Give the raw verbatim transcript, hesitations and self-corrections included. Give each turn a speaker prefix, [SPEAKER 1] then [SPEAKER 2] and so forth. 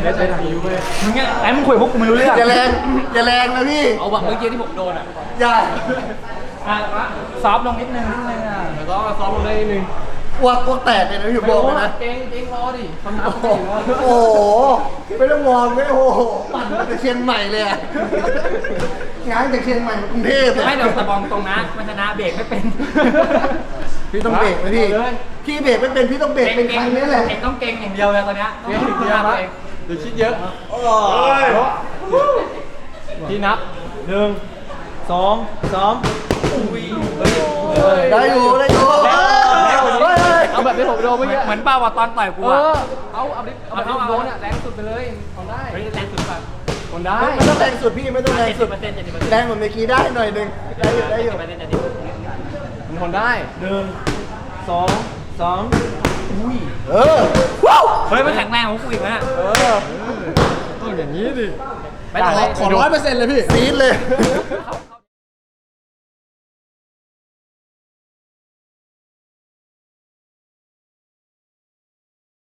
[SPEAKER 1] สไปไหนอยู่เลย
[SPEAKER 2] มึงเนี่ยไอ้มึงคุยกับพวกกูไม่รู้เรื่อง
[SPEAKER 3] อย่าแรงอย่าแรงนะพี่
[SPEAKER 1] เอาแบบเมื่อกี้ที่ผมโดนอ่ะ
[SPEAKER 3] อย่า
[SPEAKER 2] อ่ะซอฟต์ลงนิดนึงนิดนึงอ่ะ
[SPEAKER 1] แล้วก็ซ้อมลงได้นิดนึง
[SPEAKER 3] อ้วกอ้วกแตกเลยนะพี่บอกเลยนะ
[SPEAKER 1] เจ๊งเจ๊งรอดิคำนับ
[SPEAKER 3] โอ้โหโอ้โหไม่ต้องวอร์มไม่โอ้โหปั่นมาจากเชียงใหม่เลยอะงานจากเชียงใหม่มากรุงเทพเลย
[SPEAKER 2] ไม่เดี๋ยวตะบองตรงนะมันชนะเบรกไม่เป็น
[SPEAKER 3] พี่ต้องเบรกนะพี่พี่เบรกไม่เป็นพี่ต้องเบรกเป็นครั้งนี้แหละ
[SPEAKER 2] เองต้องเก่งอย่างเดียวเลยตอนเนี้ยต้อง
[SPEAKER 1] เจ๊ง
[SPEAKER 2] ฝึก
[SPEAKER 1] เดี
[SPEAKER 2] ตัว
[SPEAKER 1] ยว
[SPEAKER 2] เอง
[SPEAKER 1] เดี๋ยวคิดเยอะ
[SPEAKER 3] โอ้
[SPEAKER 1] พี่นับ
[SPEAKER 4] หนึ่งสองสาม
[SPEAKER 3] ได้อยู่ได้อยู่เฮ้ย
[SPEAKER 1] เอาแบบที่ผมโดนเมื่อกี้
[SPEAKER 2] เหมือนเป้าว่าตอนต่อยกู
[SPEAKER 1] เอ
[SPEAKER 2] อ่ะ
[SPEAKER 1] อเอาเอาดิเอาแบบที่ผมโดนอ่ะแรงสุดไปเลยทำได้
[SPEAKER 2] เฮ้ยแรงสุดแบบ
[SPEAKER 1] ทำได้
[SPEAKER 3] ไม่ต้องแรงสุดพี่ไม่ต้องแรง
[SPEAKER 2] เจ็ด
[SPEAKER 3] สุ
[SPEAKER 2] สิ
[SPEAKER 3] ด
[SPEAKER 2] บเปอร์เซ็นต์เจ็ดสิบเปอร์เซ็นต์
[SPEAKER 3] แรงเหมือนเมื่อกี้ได้หน่อยหนึงได้อยู่ได้อยู่
[SPEAKER 2] เปอร์เซ็นต์เจ็ดสิบเปอร์เซ็นต์
[SPEAKER 1] มันทนได้
[SPEAKER 4] หนึ่งสองสาม
[SPEAKER 3] เออว้าว
[SPEAKER 2] เฮ้ยมันแข็งแรงของกูอีกนะ
[SPEAKER 1] เออต้องอย่างนี้ดิ
[SPEAKER 2] ไปต่อเลย
[SPEAKER 1] ขอร้อยเปอร์เซ็นต์เลยพี่
[SPEAKER 3] ซีดเลย
[SPEAKER 1] ครับ